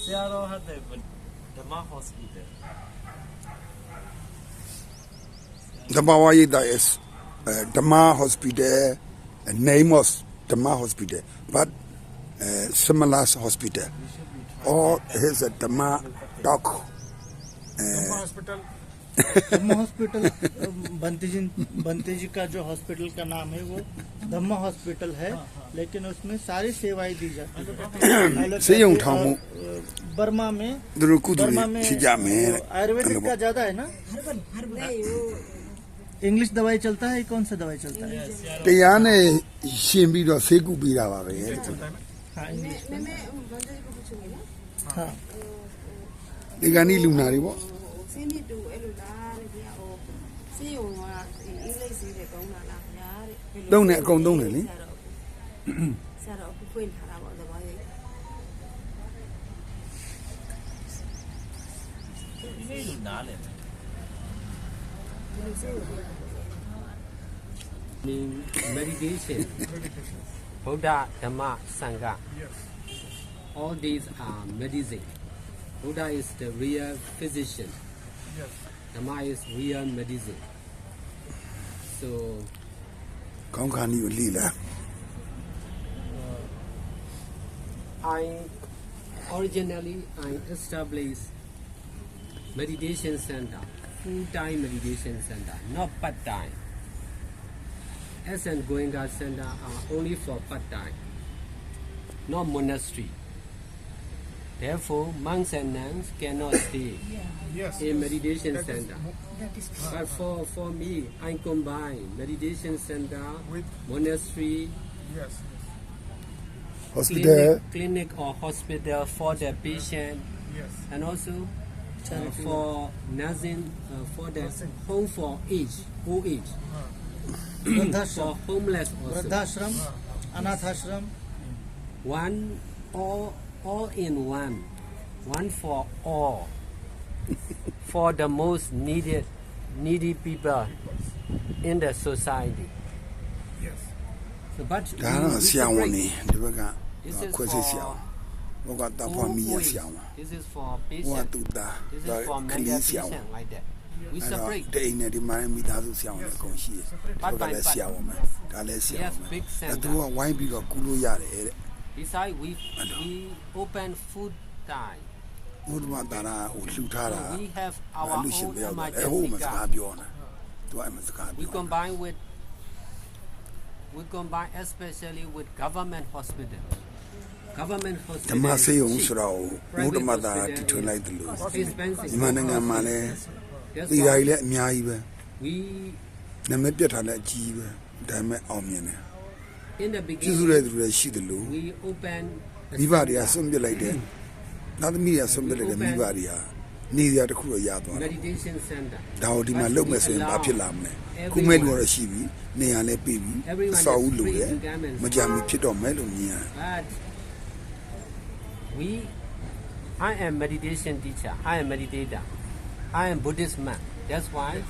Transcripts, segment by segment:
Seattle had the Dhamma Hospital. The Mawayida is Dhamma Hospital, name was Dhamma Hospital, but similar hospital. Or here's a Dhamma doc. Dhamma Hospital. Dhamma hospital Bhante ji का जो hospital का नाम है वो धम्मा hospital है, लेकिन उसमें सारी सेवाएं दी जाती है। बर्मा में आयुर्वेदिक का ज्यादा है ना, इंग्लिश दवाई चलता है, कौन सा दवाई चलता है? Don't let go, don't really. Meditation, Buddha, Dhamma, Sangha. All these are medicine. Buddha is the real physician. Dhamma is real medicine. So, originally I established meditation center, full-time meditation center, not part-time. S and Goenka center are only for part-time, not monastery. Therefore, monks and nuns cannot stay in meditation center. But for me, I combine meditation center with monastery, hospital, clinic or hospital for the patient, and also for nursing, for the home for old age, for homeless also. वृद्धाश्रम, अनाथाश्रम, one all in one for all, for the most needy people in the society. So, but this is for patient, this is for mental patient like that. We separate. Part by part. We have big center. Besides, we open food time. So we have our own emergency card. We combine especially with government hospital. Government hospital is cheap. Private hospital is expensive. That's why in the beginning, we open meditation center. Everyone is free to come and I am meditation teacher. I am meditator. I am Buddhist man. That's why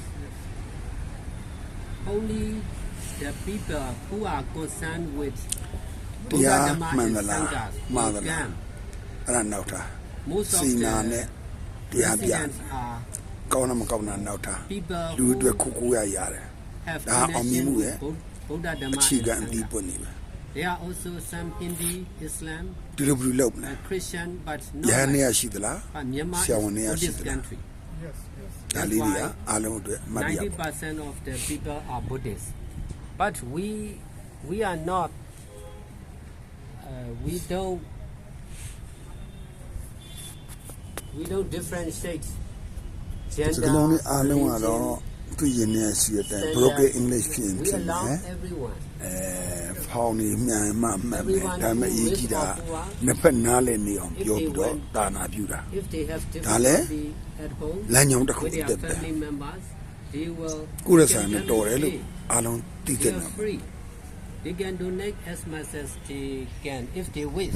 only the people who are concerned with Buddha, Dhamma, and Sangha will come. Most of the residents are people who have connection with Buddha, Dhamma, and Sangha. There are also some Hindi, Islam, Christian, but not like Myanmar is a Buddhist country. That's why 90% of the people are Buddhists. But we are not, we don't differentiate gender, religion, broken English. We allow everyone. Everyone who wishes to if they have difficulty at home with their family members, they will they are free. They can donate as much as they can if they wish.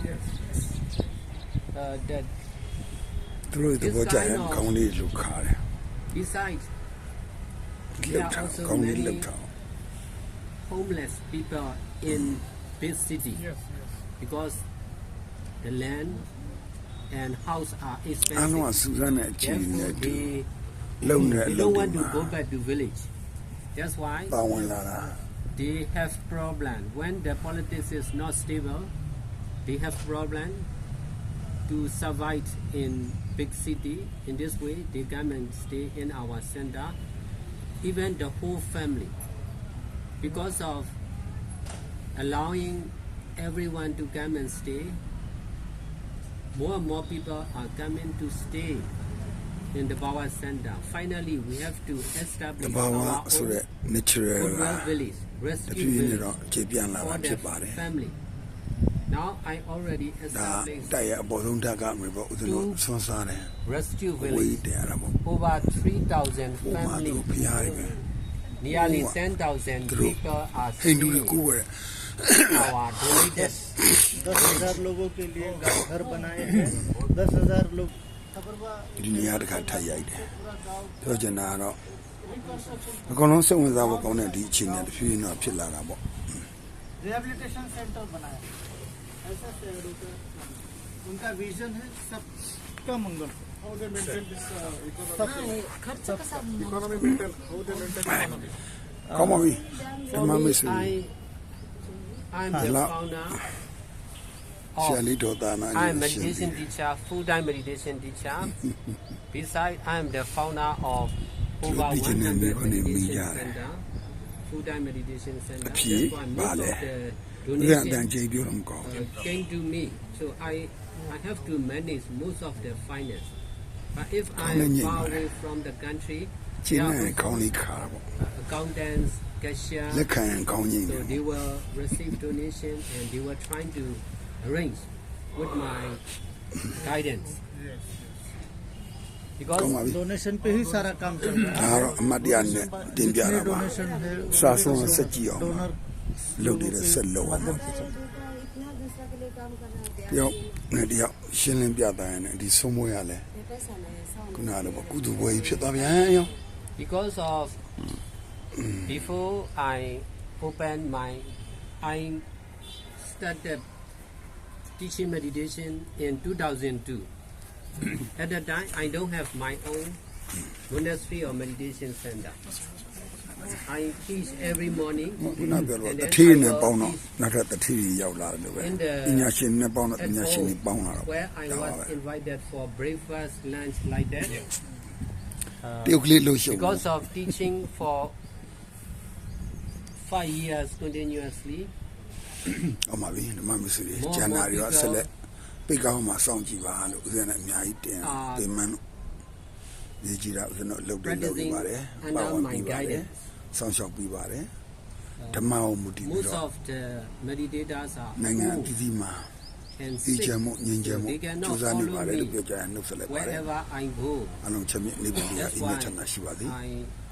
That this kind of, besides, there are also many homeless people in big city because the land and house are အားလုံးက expensive. စူးစမ်းတဲ့အချိန်နဲ့ Therefore, တူ they လုံနေတဲ့အ they လုပ် don't တွေ want to မှာ go back to village. That's why ပါဝင်လာတာ they have problem when the politics is not stable. They have problem to survive in big city. In this way, they come and stay in our center. Even the whole family, because of allowing everyone to come and stay, more and more people are coming to stay in the Bawa Center. Finally, we have to တ establish ဘာဝ our ဆို own တဲ့ natural က Goodwill village, တ rescue ဖြည်းဖြည်းနဲ့ village တော့ခြေပြန်လာတာ for ဖြ the စ်ပါတယ် family. Now I already ဒါ established တိုက်ရဲ့အပေါ်ဆုံးဓာတ်ကမြေပေါ့ဦးဇင်းတို့ဆွမ်းစားတယ် rescue ဝေး village. တယ်အဲ့ဒါပေါ့ Over 3,000 ဟိုမှာသူ families, ဖျားတယ်ပဲ nearly 10,000 people are ဟိန္ဒူတွေ staying ကိုယ်ပဲ our donated 10,000 लोगों के लिए घर बनाए हैं 10,000 लोग ဒီနေရာတစ်ခါထပ်ရိုက်တယ်ပြောချင်တာကတော့အကုန်လုံးစိတ်ဝင်စားဖို့ကောင်းတဲ့ဒီအချိန်နဲ့တဖြည်းဖြည်းတော့ဖြစ်လာတာပေါ့ rehabilitation centre बनाया ऐसा शहरों का उनका विजन है सबका मंगल How they maintain this economy? सब Economy maintain. How they maintain economy? ကောင်းပါပြီဓမ္ For မ me, မစ္စရီ I'm the Hello. founder ဆရာ of လေးတော်သားနာ I'm meditation teacher, full-time meditation teacher. Besides, I'm the founder of over 100 meditation center, full-time meditation center. Appeal, Therefore, most vale. of the ဦးဇင်းအတန် donations ကြေပြောတော့မကောင်းဘူး came to me, so I have to manage most of the finance. But if I'm Colin, far yeah. away from the country, ကျင်း there နဲ့ are ကောင်းလေးခါတာပေါ့ accountants, cashier. လက်ခံရင်ကောင်းချင်းတယ် So they will receive donation and they were trying to arrange with my guidance. Because ကောင်းပါပြီ donation पे ही सारा काम चल रहा ဒါကတော့အမတ်တရားနဲ့တင်ပြ है တာပါ donation है စာဆုံးစက်ကြည့်အောင်ပါ donor လုပ်နေတဲ့ဆက်လုံးအောင် इतना दूसरा के लिए काम करना होता တယောက်နဲ့တယောက်ရှင်းလင်းပြတာရင်လည်းဒီဆုံးမွေးရလဲ है पैसा नहीं है sound ခုနကတော့ကုသပွဲကြီးဖြစ်သွားပြန်ရော because of before I opened I started teaching meditation in 2002. At that time, I don't have my own monastery or meditation center. I teach every morning. ခုနပြောတော့ and တ then ထီး I နဲ့ will ပေါင်းတော့ teach နောက်ထပ်တထီးကြီးရောက်လာတယ်လို့ပဲ in the ပညာရှင်နဲ့ပေါင်းတော့ပ at ညာရှင်တွေ home, ပေါင်းလာတော့ where I ဒါပါ was ပဲ invited for breakfast, lunch, like that. တယောက်ကလေးလှုပ်ရှုပ် Because of teaching for 5 years continuously, အောင်ပါပြီဓမ္မမစ္စရိကျန်တာတွေရောဆက်လက်ပိတ်ကောင်းမှာစောင့်ကြည့်ပါလို့ဦးဇင်းနဲ့အများကြီးတင်ပြင်မှန်းလို့ဒီကြည့်တာဦးဇင်းတို့လှုပ်တယ်လှုပ်နေပါတယ်ပါဝင်ပြီးပါတယ်စောင့်ရှောက်ပြီးပါတယ်ဓမ္မကိုမူတည်ပြီး most တော့ of the meditators are နိုင်ငံအ old သီးသီးမှာ and ဒီ sick. ချမ်းမှုငြိမ်းချမ်းမှု They ကြိုး cannot စားနေ follow ပါတယ်လို့ me ပြောကြရင်နှုတ်ဆက်လိုက်ပါတယ် wherever I go. အလုံးချက်မြတ်နေပါလေ That's အိမ်မ why ချမ်းသာရှိပါစေ I